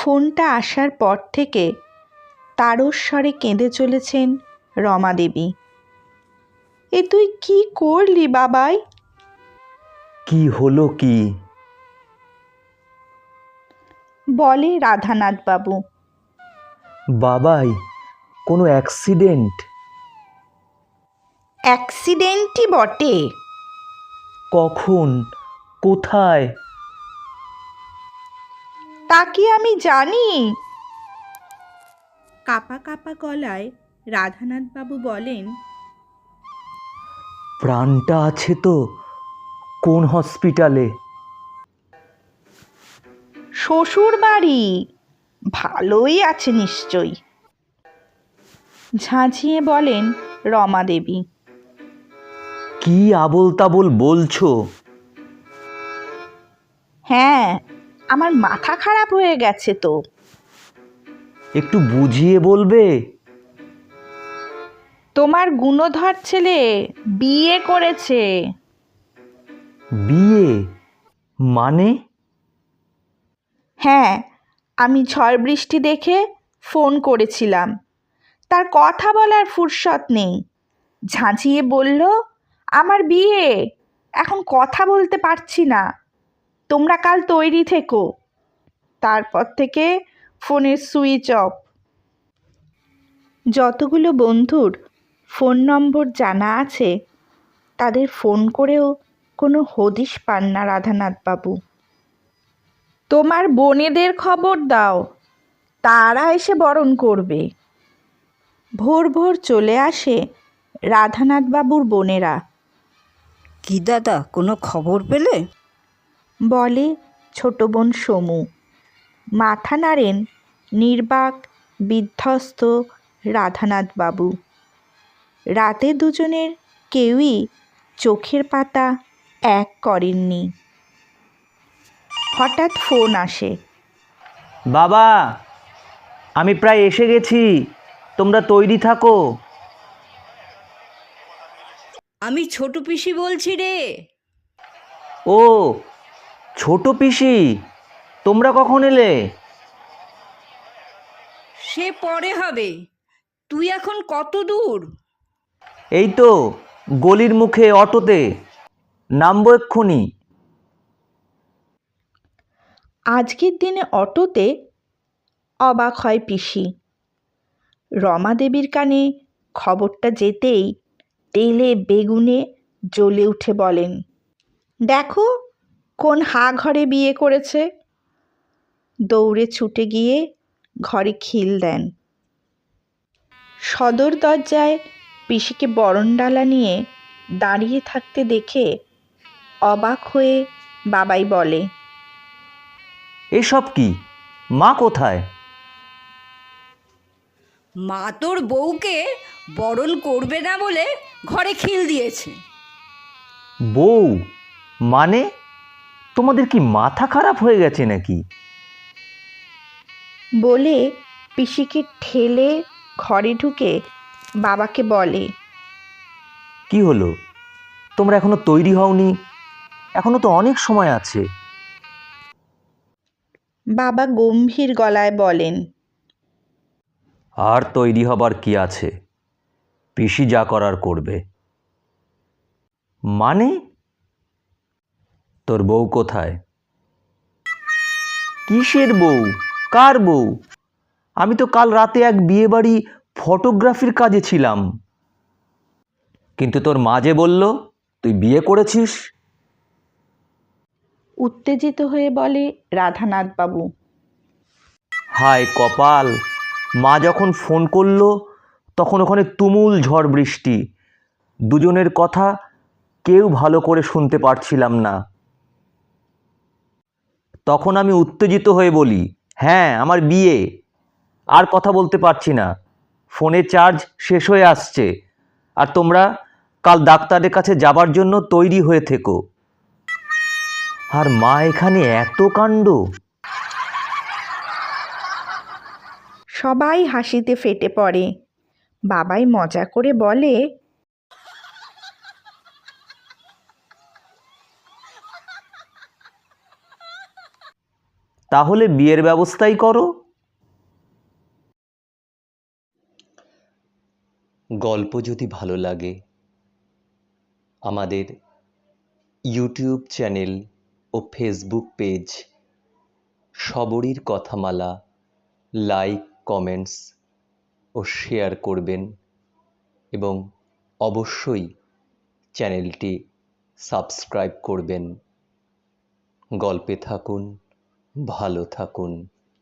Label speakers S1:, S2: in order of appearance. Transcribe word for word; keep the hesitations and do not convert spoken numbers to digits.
S1: ফোনটা আসার পর থেকে তারস্বরে কেঁদে চলেছেন রমা দেবী। এ তুই কি করলি বাবাই?
S2: কি হলো কি?
S1: বলে রাধানাথ বাবু।
S2: বাবাই কোনো অ্যাক্সিডেন্ট?
S1: অ্যাক্সিডেন্টই বটে।
S2: কখন? কোথায়?
S1: তা কি আমি জানি? কাপা কাপা গলায় রাধানাথ বাবু বলেন,
S2: প্রাণটা আছে তো? কোন হসপিটালে?
S1: শ্বশুর বাড়ি। ভালোই আছে নিশ্চয়ই, ঝাঁঝিয়ে বলেন রমা দেবী।
S2: কি আবোল তাবোল বলছো?
S1: হ্যাঁ, আমার মাথা খারাপ হয়ে গেছে তো।
S2: একটু বুঝিয়ে বলবে?
S1: তোমার গুণধর ছেলে বিয়ে করেছে।
S2: বিয়ে? মানে?
S1: হ্যাঁ, আমি ঝড় বৃষ্টি দেখে ফোন করেছিলাম, তার কথা বলার ফুরসত নেই। ঝাঁঝিয়ে বলল আমার বিয়ে, এখন কথা বলতে পারছি না, তোমরা কাল তৈরি থেকো। তারপর থেকে ফোনের সুইচ অফ। যতগুলো বন্ধুর ফোন নম্বর জানা আছে তাদের ফোন করেও কোনো হদিশ পান না রাধানাথ বাবু। তোমার বোনেদের খবর দাও, তারা এসে বরণ করবে। ভোর ভোর চলে আসে রাধানাথ বাবুর বোনেরা।
S3: কি দাদা, কোনো খবর পেলে?
S1: বলে ছোট বোন সমু। মাথা নাড়েন নির্বাক বিধ্বস্ত রাধানাথ বাবু। রাতে দুজনের কেউই চোখের পাতা এক করেননি। হঠাৎ ফোন আসে।
S2: বাবা, আমি প্রায় এসে গেছি, তোমরা তৈরি থাকো।
S3: আমি ছোট পিসি বলছি রে।
S2: ও ছোট পিসি, তোমরা কখন এলে?
S3: সে পরে হবে, তুই এখন কত দূর?
S2: এই তো গলির মুখে অটোতে, নামবো এক্ষুনি।
S1: আজকের দিনে অটোতে? অবাক হয় পিসি। রমা দেবীর কানে খবরটা যেতেই তেলে বেগুনে জ্বলে উঠে বলেন, দেখো কোন হা ঘরে বিয়ে করেছে। দৌড়ে ছুটে গিয়ে ঘরে খিল দেন। সদর দরজায় পিসিকে বরণডালা নিয়ে দাঁড়িয়ে থাকতে দেখে অবাক হয়ে বাবাই বলে,
S2: এসব কি? মা কোথায়?
S3: মা তোর বউকে বরণ করবে না বলে ঘরে খিল দিয়েছে।
S2: বউ? মানে তোমাদের কি মাথা খারাপ হয়ে গেছে নাকি?
S1: বলে পিসিকে ঠেলে ঘরে ঢুকে বাবাকে বলে,
S2: কি হলো, তোমরা এখনো তৈরি হওনি? এখনো তো অনেক সময় আছে।
S1: বাবা গম্ভীর গলায় বলেন,
S2: আর তৈরি হবার কি আছে, পিসি যা করার করবে। মানে? তোর বউ কোথায়? কিসের বউ? কার বউ? আমি তো কাল রাতে এক বিয়ে বাড়ি ফটোগ্রাফির কাজে ছিলাম। কিন্তু তোর মা যে বলল তুই বিয়ে করেছিস।
S1: উত্তেজিত হয়ে বলে রাধানাথ বাবু।
S2: হায় কপাল, মা যখন ফোন করলো তখন ওখানে তুমুল ঝড় বৃষ্টি, দুজনের কথা কেউ ভালো করে শুনতে পারছিলাম না। তখন আমি উত্তেজিত হয়ে বলি, হ্যাঁ আমার বিয়ে, আর কথা বলতে পারছি না, ফোনে চার্জ শেষ হয়ে আসছে, আর তোমরা কাল ডাক্তারের কাছে যাবার জন্য তৈরি হয়ে থেকো। আর মা এখানে এত কাণ্ড।
S1: সবাই হাসিতে ফেটে পড়ে। বাবাই মজা করে বলে,
S2: তাহলে বিয়ের ব্যবস্থাই করো। গল্প যদি ভালো লাগে আমাদের ইউটিউব চ্যানেল ও ফেসবুক পেজ সবরীর কথামালা লাইক, কমেন্টস ও শেয়ার করবেন এবং অবশ্যই চ্যানেলটি সাবস্ক্রাইব করবেন। গল্পে থাকুন, ভালো থাকুন।